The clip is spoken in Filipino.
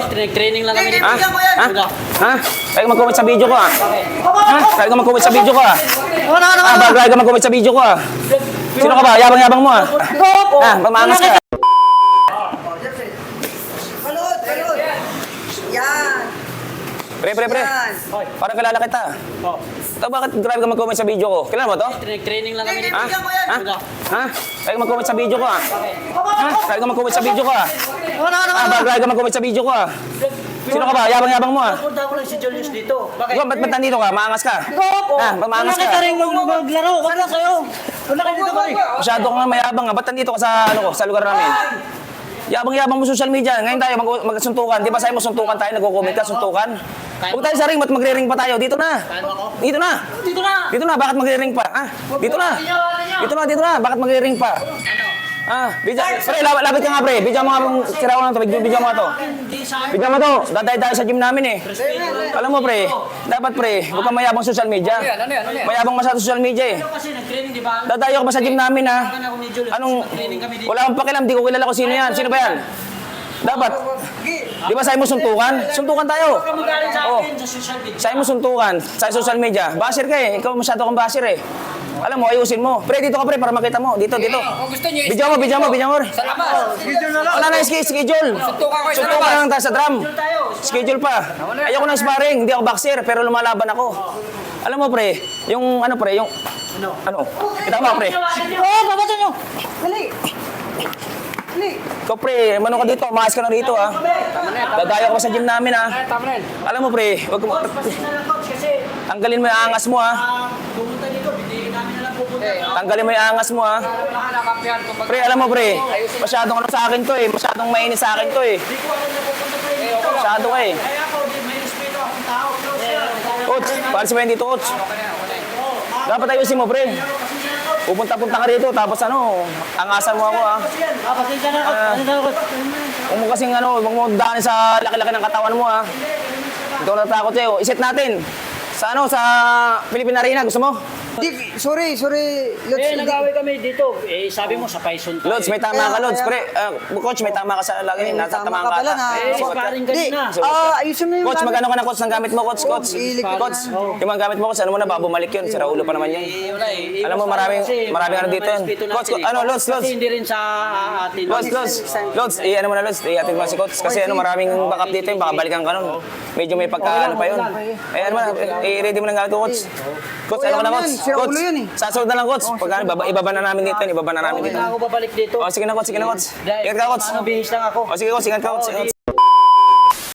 Training lang kami dito. Ha? Ha? Kaya ka mag-comment sa video ko ha? Ha? Kaya ka mag-comment sa video ko ha? Kaya ka mag-comment sa video ko ha? Sino ka ba? Yabang-yabang mo ha? Ha? Mamangas ka. Balot! Yan! Pre. Parang kilala kita. Ito, bakit grabe ka mag-comment sa video ko? Kilala mo to? Training lang kami dito. Ha? Ha? Kaya ka mag-comment sa video ko ha? Ha? Kaya ka mag-comment sa video ko ha? Kaya ka mag-comment sa video ko ha? Sino ka ba? Yabang-yabang mo ha? Punta ko lang si Julius dito. Bakit? Ba't nandito ka? Maangas ka? Ha? Maangas ka? Wala rin maglaro. Wala kayo. Wala kayo dito pare. Masyado ka nga mayabang ha? Ba't nandito ka sa, sa lugar namin? Yabang-yabang mo social media. Ngayon tayo magsuntukan. Di ba sa'yo mo suntukan tayo? Nagko-comment ka, suntukan? Huwag tayo sa ring, ba't magre-ring pa tayo? Dito na! Dito na! Bakit magre-ring pa? Ah, dito na! Bakit magre-ring pa? Pre, lapit ka nga pre. Bidyan mo nga mong sira ko lang ito. Bidyan mo nga ito. Bidyan mo ito. Daday tayo sa gym namin eh. Alam mo pre, dapat pre, huwag kang mayabang social media. Mayabang masyado social media eh. Kasi nag-training di ba? Dadayo ka ba sa gym namin ha? Anong, wala kang pakialam, di ko kilala kung sino yan. Sino ba yan? Dapat. Di ba sa'yo mo suntukan? Suntukan tayo. Magaling sa Oh. akin sa social media. Sa'yo mo suntukan. Sa social media. Basher ka eh. Ikaw masyado kang basher eh. Alam mo, ayusin mo. Pre, dito ka pre, para makita mo. Dito. Kung gusto nyo, Bidyan mo. sa labas. Wala na schedule. Suntukan ko sa Suntukan labas. lang tayo sa drum. Schedule pa. Ayoko ng sparring. Hindi ako boxer, pero lumalaban ako. Alam mo pre, yung ano pre, yung... Ano? Kita mo pre. Babato nyo. Ikaw pre, mano ka dito, maayos ka na rito ha. Dadayo ka pa sa gym namin ha. Alam mo pre, wag mo... Tanggalin mo yung angas mo ha. Pumunta dito, hindi namin na lang pupunta. Tanggalin mo yung angas mo ha. Pre, alam mo pre, masyadong ano sa akin to eh. Masyadong mainit sa akin to eh. Masyado ka eh. Kaya ako, may respeto akong tao. Coach, paano si Wendy to, coach? Dapat ayusin mo, pre. Pupunta-punta ka rito, tapos ano, angasan mo ako, ha? Pasensya na ako. Huwag mo kasing ano, huwag mo daanin sa laki-laki ng katawan mo, ha? Ikaw natakot sa'yo. Iset natin. Sa ano, sa Philippine Arena, gusto mo? Sorry. Lods, Nag-away kami dito. Sabi mo sa Paison tayo. Lods, may tama ka, Lods. Pre, coach, may tama ka sa lagi. Natatamaan ka pala ata. na. Sparring ka Hindi. na. Ayusin mo yung Coach, gamit. magano ka na, coach, ng gamit mo, coach? Coach, yung mga gamit mo, coach, ano mo na, baka bumalik yun. Sira ulo pa naman yun. Alam mo, maraming ano dito yun. Coach, ano, Lods. Kasi hindi rin sa atin. Lods, ano mo na, Lods, i-atid mo si coach. Kasi ano, maraming backup dito yun, baka balikan ka nun. Medyo may pagka, ano pa yun. Ano mo na, i-ready mo ng gamit ko, coach. Coach, ano ka na, coach? Sira ulo yun eh. Sasunod na lang, coach. Pagka, ibaba na namin dito, ibaba na namin dito. Ako babalik dito. O, sige na, coach, sige na, coach. Ingat ka, coach. Mga bihis lang ako. O, sige, coach, ingat ka, coach.